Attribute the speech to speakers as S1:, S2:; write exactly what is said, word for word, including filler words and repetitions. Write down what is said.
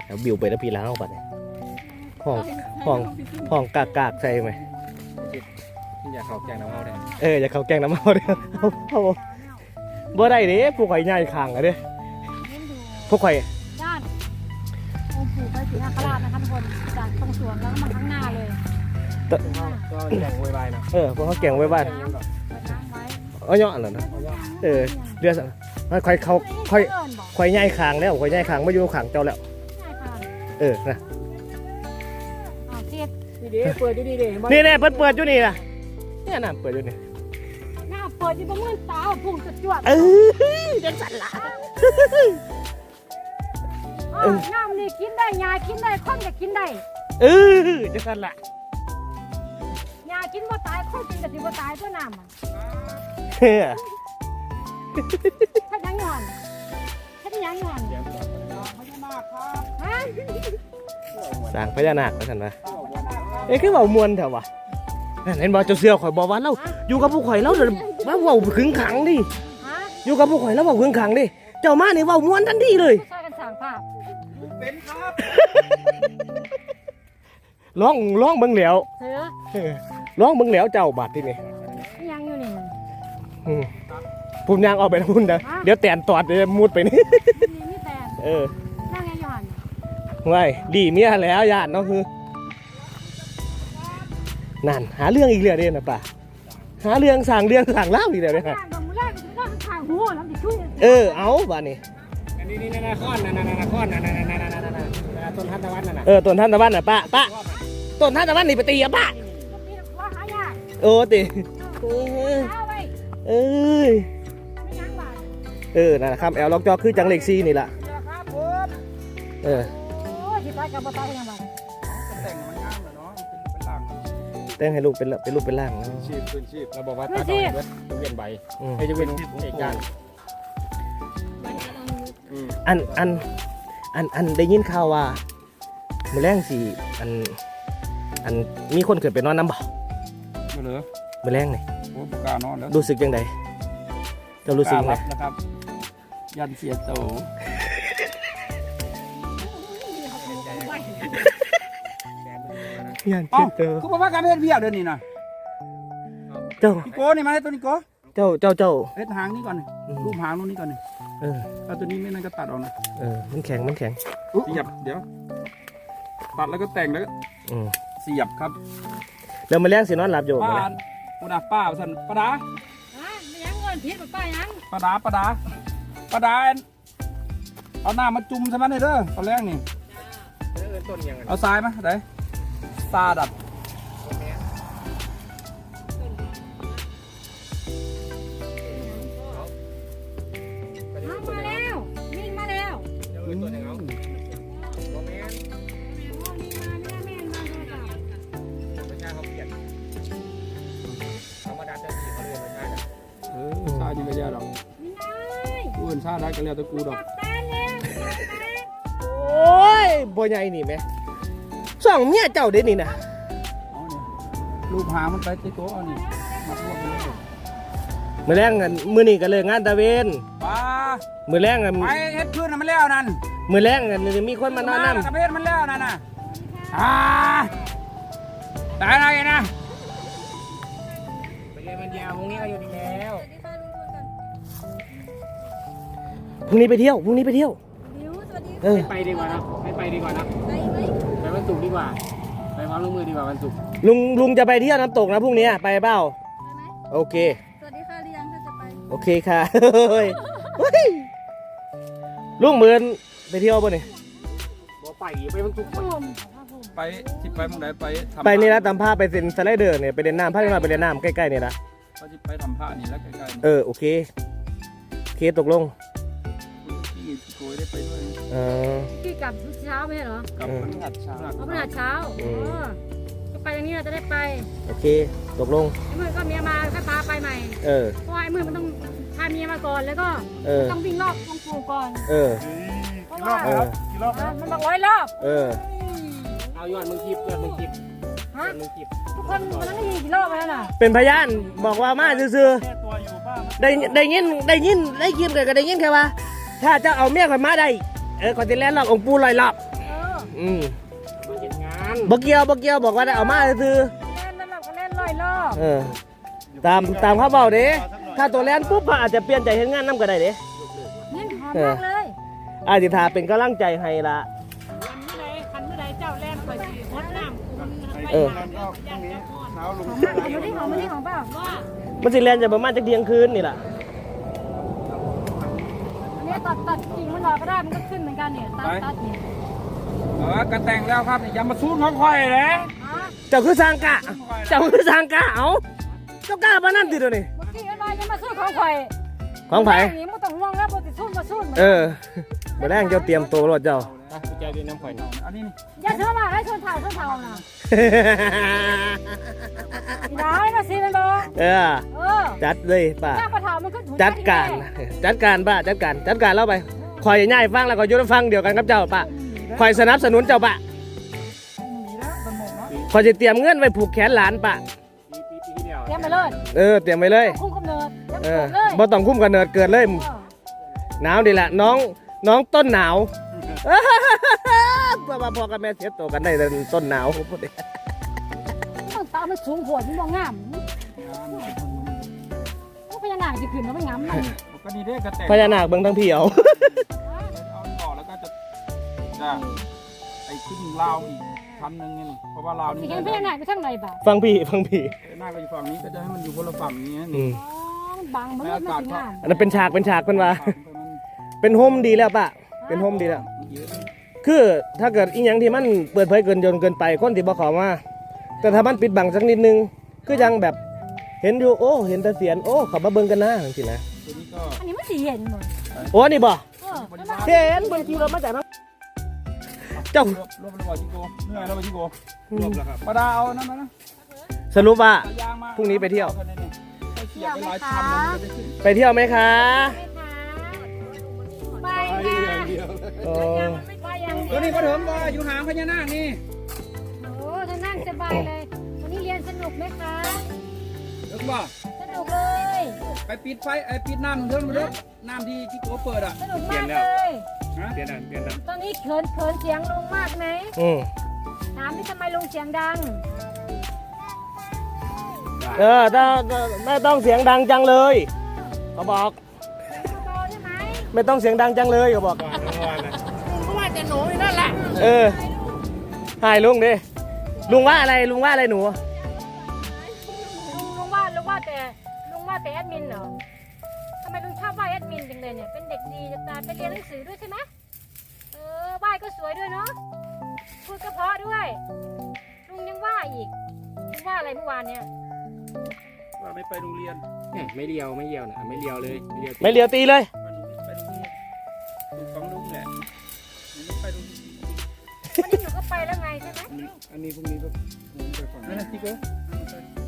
S1: แล้วบิวไปแล้วพี่ล้างปัดเนี่ยห้องห้องห้องกากกากใช่ไหม
S2: อย่าเขาแกงน้ำเมาได้
S1: เอออย่าเขาแกงน้ำเมาเด้อเอาเอาบ่ได้เด้พวกข่อยใหญ่ขังอะเด้พวกข่อย
S3: ด้านองค์ปู่พระศรีนาคราชนะคะทุกคนจากตรงสวนแล้วก็มาข้างหน้าเลย
S2: ก็แกงโวยวายนะ
S1: เออพวกเขาแกงไว้บ้านเอาเนาะเหรอนะเออเดือดข่อยเขาข่อยข่อยใหญ่ขังแล้วข่อยใหญ่ขังมาอยู่ขังเจ้าแล้วเออนะ
S2: นี่เปิดอยู่นี่เด้
S1: นี่แน่เปิดเปิดอยู่นี่นะเนี่ยน่ะเปิดอยู่นี่
S3: หน้าเปิดอยู่ตรงเงื่อนตาพุ่งจะจวด
S1: เออจังสันละ
S3: เออน้ำนี่กินได้ยากินได้คนก็กินได้
S1: เออจังสันละ
S3: ยากินบ่ตายคนกินก็สิบ่ตายตัวน้ำอ่ะ
S1: เฮ้ย
S3: ถ้ายังงอนถ้ายังงอนฮะ
S1: สร้างพญานาคแล้วกันนะเอ้คือเบามวนเถอะวะเห็นบ่เจ้าเสือข่อยบอกว่าเราอยู่กับผู้ข่อยแล้วเดี๋ยวว่าเบาขึงขังดิอยู่กับผู้ข่อยแล้วเบาขึงขังดิเจ้ามาเนี่ยเบามวนทันทีเลย
S3: ช่วยกันสร้างภาพ
S2: เป็นครับ
S1: ร้องร้องเบิ่งแล้ว
S3: เสือ
S1: ร้องเบิ่งแล้วเจ้าบาดที่นี่
S3: ยังอยู่นี่
S1: ผมยางออกไปนะพุ่นนะเดี๋ยวแตนตอดเดี๋ยวมุดไปนี่
S3: นี่แตน
S1: เออ
S3: นั่งไงย้อน
S1: ไว้ดีเมียแล้วญาติเนาะคือนั่นหาเรื่องอีกเรื่องเด่นนะป่ะหาเรื่องสั่งเรื่องสั่งเล่าอีกแล้วเนี่ยเออเอาบ้านนี้
S2: อันนี้นี่นาคอนนานานาคอนนานานานานานาต้นทันตะวันน่ะ
S1: เออต้นทันตะวันน่ะป้าป้าต้นทันตะวันนี่ไปตีอะป้าโอ้ตีเออเออนั่นครับแอลล็อกจอคือจังเล็กซีนี่แหละเออแต่งให้ลูกเป็นเป็นลูกเป็นล่าง
S2: ชีพเป็นชีพเราบอกว่าตาดอยจะเวียนใบให้จะเวียนเหตุการณ์
S1: อันอันอันอันได้ยินข่าวว่ามือแรงสิอันอันมีคนเกิดเป็นนอนน้ำบ่
S2: ไม่เหลือ
S1: มือแรงนี่
S2: โอ้กล้านอนแล้ว
S1: รู้สึกยังไงจะรู้สึกยังไง
S2: นะครับยันเสียโต
S1: ยันเสียโต
S2: คุณบอกว่าการเฮ็ดเบี้ยเดินนี่นะ
S1: เจ้า
S2: โก้นี่มาให้ตัวนี้โก้
S1: เจ้าเจ้าเจ้า
S2: เฮ็ดหางนี่ก่อนรูปหางนู้นนี่ก่อน
S1: เออ
S2: ถ้าตัวนี้ไม่นั่นก็ตัดออกนะ
S1: เออมันแข็งมันแข็ง
S2: เสียบเดี๋ยวตัดแล้วก็แต่งแล้วเสียบครับ
S1: แล้วมาเลี้ยงสินอนหลับอยู่
S2: ป้าปูดาป้าสันปลาดา
S3: ไม่ยังเงินพิษป้ายัง
S2: ปลาดาปลาดาปลาดาเอาหน้ามาจุ่มใช่ไหมเนี่ยเด้อตอนแรกนี่เอาทรายไหมได้ซาดัด
S3: มาแล้ววิ่งมาแล้ว
S2: ตัวหนึ่งเอาโมเมนต์ไม่ใช่เขาเปลี่ยนธรรมดาจะดีเขาเรียนไม่ใช่หรอเออชาดีไม่ยากหรอกกูเห็นชาได้ก็เรียกตะกูดอก
S1: โอ้ยบ่ใหญ่นี่ไหมสองเมียเจ้าเด่นนี่นะ
S2: ลูกหามันไปติโก้เอานี่มาพวกนี้
S1: มือแรงกันมือนี่กันเลยงานตะเวน
S2: ป้า
S1: มือแรงกัน
S2: ไปเฮ็ดพื้นมันแล้วนั่น
S1: มือแรงกันมีคนมานอนน้
S2: ำกระเพาะมันแล้วนั่นน่ะอ่าได้ไงนะไปเรียนมันยาวพรุ่งนี้ก็อยู่ดีแล้ว
S1: พรุ่งนี้ไปเที่ยวพรุ่งนี้ไปเที่ยว
S2: เออไปดีกว่านะไม่ไปดีกว่านะไปไหมไปวันศุกร์ดีกว่าไปความร่วมมือดีกว่าวันศุกร์
S1: ลุงลุงจะไปเที่ยวน้ำตกนะพรุ่งนี้ไปเปล่าโอเค
S3: สวัสดีค่ะเรียงถ้าจะไป
S1: โอเคค่ะลุงเหมือนไปเที่ยวป่ะนี่
S2: บ่ไปไปวันศุกร์ไปที่ไปเมื่อไหร่ไป
S1: ไปนี่นะตามผ้าไปเซ็นสไลเดอร์เนี่ยไปเล่นน้ำผ้าที่มาไปเล่นน้ำใกล้ๆเนี่ยนะ
S2: ก็จะไปทำผ้านี่แล้วใกล้
S1: ๆเออโอเคโอเคตกลง
S2: ที่โกยได้ไปด้วย
S1: เออ
S3: ที่กลับเช้าไม่ใช่เหรอ
S2: กับพฤหัสเช้า
S3: เอาพฤหัสเช้าก็ไปอย่างนี้เราจะได้ไป
S1: โอเคตกลง
S3: ไอ้มือก็เมียมาก็พาไปใหม่
S1: เออ
S3: เพราะไอ้มือมันต้องพาเมียมาก่อนแล้วก็ต้องวิ่งรอบวงปูก่อน
S1: เออ
S3: เพราะว่ามันบอกร้อยรอบ
S1: เออ
S2: เอายอดมึงคิดยอดมึงคิด
S3: ฮะทุกคนมันต้องมีกี่รอบแล้วน่ะ
S1: เป็นพยานบอกว่ามาซื่อๆได้ได้ยินได้ยินได้ยินกันก็ได้ยินแค่ว่าถ้าจะเอาเมียข่อยมาได้เออข่อยจะแล่นรอบองค์ปู่ลอยรอบ
S3: เออ
S1: อืม
S2: มาเห็นงาน
S1: บ่เกี่ยวบ่เกี่ยวบอกว่าได้เอามาซื้อ
S3: เล่นนั่นเราก็เล่นลอยรอบ
S1: เออตามตามเขาเบาเด้ถ้าตัวแลนปุ๊บเขาอาจจะเปลี่ยนใจเห็นงานน้ำก็ได้เด้
S3: นี่หอมมากเลย
S1: อาจิทาเป็นกำลังใจให้ละ
S4: คันเมื่อใดคันเมื่อใดเจ้าแล่นไปสิงดน้ำคุณ
S1: เออ
S4: ย่านเจ้าพ่อ
S2: หนาวลง
S3: หอมมากหอมไม่ได้หอมไม่ได้หอมเปล่า
S4: ว่า
S1: มันสิแลนจะประมาณจะเที่ยงคืนนี่ล่ะ
S3: อันนี้ตัดตัดกิ่งมันออกก็ได้มันก็ขึ้นเหมือนกันเนี่ยตัดตัดเนี่ย
S2: เออกระแต่งแล้วครับนี่อย่ามาซูนของข่อยเลย
S3: อ๋อ
S1: เจ้าคือสร้างกะเจ้าคือสร้างกะเอาเจ้ากล้าปานนั้นติเดี๋ยวนี้
S3: เมื่อกี้อะไรจะมาสู้ของข่อย
S1: ของไผ
S3: นี่มันต้องห่วงแล้วบ่ติดสู้มาสู้
S1: เออบ่แรงเจ้าเตรียมตัวรถเจ้า
S2: กุญแจเป็นน้ำข่อยนี่อันนี้นี่
S3: อย่าเชื่อว่าให้ชนเผาชนเผาน่ะอีดาให้มาซีมันบ่
S1: เออ
S3: เออ
S1: จัดเลยป้า
S3: หน้าปลาเผามันก็ถู
S1: จัดการจัดการป้าจัดการจัดการเล่าไปคอยง่ายฟังแล้วก็ยุติฟังเดียวกันกับเจ้าป้าคอยสนับสนุนเจ้าป้า
S2: มีแล้วมันหมดเนาะ
S1: คอยจะเตรียมเงินไว้ผูกแขนหลานป้า
S2: ปีปีปีที่แล้ว
S3: เตรียมไปเลย
S1: เออเตรียมไว้เลย
S3: คุ้มกำเนิดเตรียม
S1: เออ
S3: เลย
S1: บ่ต้องคุ้มกันเนิดเกิดเลย หนาวดีละน้องน้องต้นหนาว พ่อมาพ่อกับแม่เสียตัวกันได้แต่ต้นหนาวพูดดิ
S3: ต้องตามันสูงโหดมันบ่งามพวกพญานาคจะขึ้นแล้วไม่งามมัน
S2: ก็นี่ได้กระแต่ง
S1: พญานาคเบิ่งทั้งพี่เอา
S2: เอาต่อแล้วก็จะจะไอ้ขึ้นลาวอีกพันหนึ่งนี่เพราะว่าลาวนี่
S3: สิเห็นพญานาคไปทางไหนบ่า
S1: ฟังพี่ฟังพี่
S2: หน้าก็อยู่ฝั่งนี้ก็จะให้มันอยู่คนละฝั่งนี้
S1: อื
S2: นี่
S1: ม
S3: อ๋อมันบังมันเลยมันสิงาม
S1: อันนั้นเป็นฉากเป็นฉากเพิ่นว่า เป็นโฮมดีแล้วปะเป็นโฮมดีแล้ว คือถ้าเกิดอีหยังที่มันเปิดเผยเกินจนเกินไปคนที่บ่เขอมาแต่ถ้ามันปิดบังสักนิดนึงคือยังแบบเห็นอยู่โอ้เห็นแต่เสียนโอ้เขามาเบิ่งกันนะจังซี่นะ
S2: ตัวนี้ก็
S3: อันนี้มันสิเห็นหมด
S1: โอ้นี่บ่
S3: เออแล้วมัน
S1: เห็นเบิ่งขี่รถมาจากนั้นเจ้าร
S2: วบรวบระบาดจิโก้เหนื่อยแล้วจิโก้รวบแล้วครับประดาเอานั่นมานะ
S1: สรุปว่า
S2: เอายางมา
S1: พรุ่งนี้ไปเที่ยว
S2: เสียบไปหลายชั้นเลยมันจะได้ขึ้น
S1: ไปเที่ยวไหมคะ
S3: ไป
S2: ไป
S3: ค่ะ
S2: อย่างเดียว
S1: โอ้
S3: ไปอย่างเดี
S2: ตัวนี้ก็เถิมว่าอยู่หางพญานาคนี่
S3: โอ้ท่านั่งสบายเลย วันนี้เรียนสนุกไหมคะ
S2: เถิมว่า
S3: สนุกเลย
S2: ไปปิดไฟไอ้ปิดน้ำเถิมมาเด้อน้ำที่จิโก้เปิดอ่ะ
S3: สนุกมากเลย
S2: ฮะเปลี่ยนน้ำเปลี่ยนน้
S3: ตอนนี้เขินเขินเสียงลุงมากไหม
S1: อืม
S3: ถามนี่ทำไมลุงเสียงดัง
S1: เออถ้าไม่ต้องเสียงดังจังเลยเขาบอก
S3: เบาๆใช่ไหม
S1: ไม่ต้องเสียงดังจังเลยเขาบอก
S4: ลุงก็ว่าแต่หนูอยู่นั่นแหละ
S1: เออหายลุงดิลุงว่าอะไรลุงว่าอะไรหนู
S3: ลุงลุงว่าลุงว่าแต่ลุงว่าแต่แอดมินเหรอทำไมลุงชอบว่าแอดมินจังเลยเนี่ย เป็นเด็กดีจะตายไปเรียนหนังสือด้วยใช่ไหมเออว่าก็สวยด้วยเนาะ พูดก็เพราะด้วย ลุงยังว่าอีกลุงว่าอะไรเมื่อวานเนี่ย
S2: ำว่าไม่ไปโรงเรียน
S5: เนี่ยไม่เลียวไม่เลียวนะไม่เลียวเลยไม่เลียว
S1: ไม่เลียวตีเลย
S2: ว่าหนูไม่ไปโรงเรียนถูกฟังลุงแหละหนูไม่ไปโรงเรียน
S3: วันนี้หนูก็ไปแล้วไงใช่ไหม
S5: อันนี้พรุ่งนี้ก็ผมไปก่อน
S2: นั่นนะจิโก้